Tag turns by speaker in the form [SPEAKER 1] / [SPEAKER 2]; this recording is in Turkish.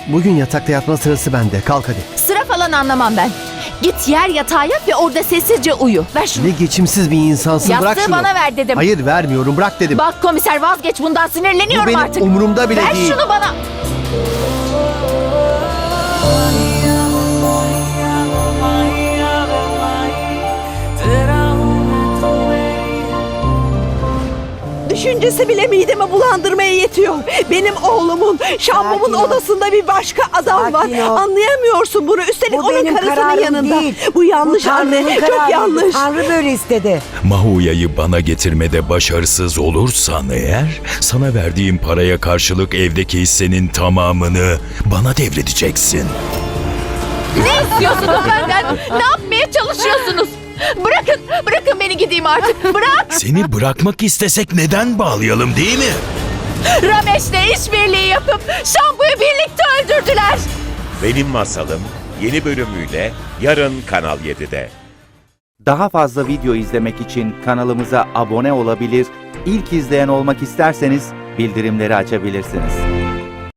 [SPEAKER 1] Bugün yatakta yatma sırası bende. Kalk hadi.
[SPEAKER 2] Sıra falan anlamam ben. Git yer yatağa yat ve orada sessizce uyu. Ver şunu.
[SPEAKER 1] Ne geçimsiz bir insansın. Bırak
[SPEAKER 2] Yastığı
[SPEAKER 1] şunu.
[SPEAKER 2] bana ver dedim.
[SPEAKER 1] Hayır vermiyorum. Bırak dedim.
[SPEAKER 2] Bak komiser, vazgeç bundan,
[SPEAKER 1] Bu
[SPEAKER 2] sinirleniyorum
[SPEAKER 1] benim
[SPEAKER 2] artık.
[SPEAKER 1] umurumda bile
[SPEAKER 2] Ver
[SPEAKER 1] değil.
[SPEAKER 2] şunu bana.
[SPEAKER 3] Düşüncesi bile midemi bulandırmaya yetiyor. Benim oğlumun, Şambom'un
[SPEAKER 4] Sakin ol.
[SPEAKER 3] odasında bir başka adam var.
[SPEAKER 4] Sakin ol.
[SPEAKER 3] Anlayamıyorsun bunu. Üstelik
[SPEAKER 4] Bu
[SPEAKER 3] onun
[SPEAKER 4] benim
[SPEAKER 3] karısının
[SPEAKER 4] kararım
[SPEAKER 3] yanında.
[SPEAKER 4] değil.
[SPEAKER 3] Bu yanlış
[SPEAKER 4] Bu
[SPEAKER 3] anne.
[SPEAKER 4] Tanrı'nın
[SPEAKER 3] Çok
[SPEAKER 4] kararıydı.
[SPEAKER 3] yanlış.
[SPEAKER 4] Tanrı böyle istedi.
[SPEAKER 5] Mahuya'yı bana getirmede başarısız olursan eğer, sana verdiğim paraya karşılık evdeki hissenin tamamını bana devredeceksin.
[SPEAKER 2] Ne istiyorsunuz benden? Ne yapmaya çalışıyorsunuz? Bırakın beni gideyim artık. Bırak.
[SPEAKER 5] Seni bırakmak istesek neden bağlayalım, değil mi?
[SPEAKER 2] Ramesh'le işbirliği yapıp Şambu'yu birlikte öldürdüler.
[SPEAKER 6] Benim Masalım yeni bölümüyle yarın Kanal 7'de.
[SPEAKER 7] Daha fazla video izlemek için kanalımıza abone olabilir, ilk izleyen olmak isterseniz bildirimleri açabilirsiniz.